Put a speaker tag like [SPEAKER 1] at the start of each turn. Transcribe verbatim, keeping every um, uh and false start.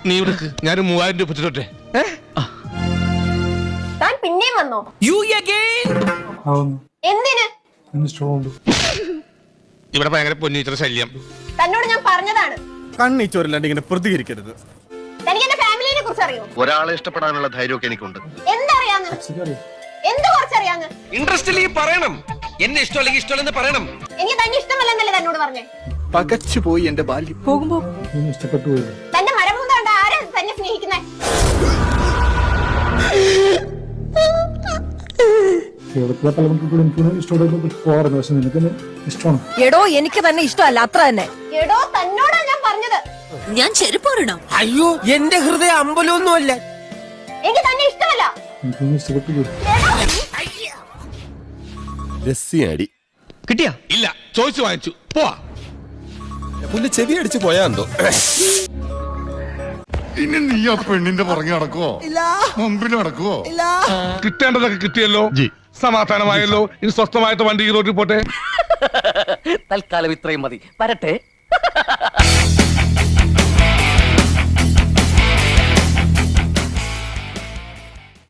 [SPEAKER 1] നീ ഇവിടേക്ക് ഞാൻ മൂവായിരം രൂപ പറ്റിട്ടോട്ടെ.
[SPEAKER 2] താൻ പിന്നെയും വന്നോ? എന്തിന്?
[SPEAKER 1] ഇവിടെ ഭയങ്കര പൊന്നീറ്റർ ശല്യം.
[SPEAKER 2] തന്നോട് ഞാൻ പറഞ്ഞതാണ്
[SPEAKER 3] കണ്ണീച്ചോരില്ലാണ്ട് ഇങ്ങനെ പ്രതികരിക്കരുത്.
[SPEAKER 2] തനിക്ക് എന്റെ ഫാമിലിനെ കുറിച്ച് അറിയോ?
[SPEAKER 4] ഒരാളെ ഇഷ്ടപ്പെടാനുള്ള ധൈര്യമൊക്കെ എനിക്കുണ്ട്.
[SPEAKER 2] എന്തറിയാന്ന്? എന്ത് കുറച്ചറിയാന്ന്?
[SPEAKER 5] ഇൻട്രസ്റ്റ് പറയണം. എന്നെ ഇഷ്ടമല്ലെങ്കിൽ ഇഷ്ടമല്ലെന്ന് പറയണം.
[SPEAKER 2] എനിക്ക് തന്നെ ഇഷ്ടമല്ലെന്നല്ലേ തന്നോട് പറഞ്ഞേ?
[SPEAKER 3] പകച്ചു പോയി എന്റെ ബാല്യം. പോകുമ്പോ ഇഷ്ടപ്പെട്ടു പോയി.
[SPEAKER 2] തന്റെ മരമൂന്ന് കണ്ട ആരാ തന്നെ സ്നേഹിക്കുന്നേ?
[SPEAKER 6] എടോ എനിക്ക് തന്നെ ഇഷ്ടമല്ല, അത്ര തന്നെ.
[SPEAKER 2] എടോ തന്നോടാ ഞാൻ പറഞ്ഞത്.
[SPEAKER 6] ഞാൻ ചെരുപ്പോരണോ?
[SPEAKER 5] അയ്യോ, എന്റെ ഹൃദയം അമ്പലമൊന്നുമല്ല.
[SPEAKER 2] എനിക്ക് തന്നെ ഇഷ്ടമല്ല.
[SPEAKER 3] രസ്യാടി
[SPEAKER 5] കിട്ടിയാ?
[SPEAKER 1] ഇല്ല, ചോദിച്ചു വാങ്ങിച്ചു. പോവാ.
[SPEAKER 3] പുല്ല് ചെവി അടിച്ചു പോയാ എന്തോ.
[SPEAKER 7] ഇനി നീ ആ പെണ്ണിന്റെ പുറകെ നടക്കുവോ? മുമ്പിൽ നടക്കുവോ?
[SPEAKER 1] കിട്ടേണ്ടതൊക്കെ കിട്ടിയല്ലോ, സമാധാനമായല്ലോ. ഇനി സ്വസ്ഥമായിട്ട് വണ്ടി ഈ റോഡിൽ പോട്ടെ.
[SPEAKER 5] തൽക്കാലം ഇത്രയും മതി. വരട്ടെ.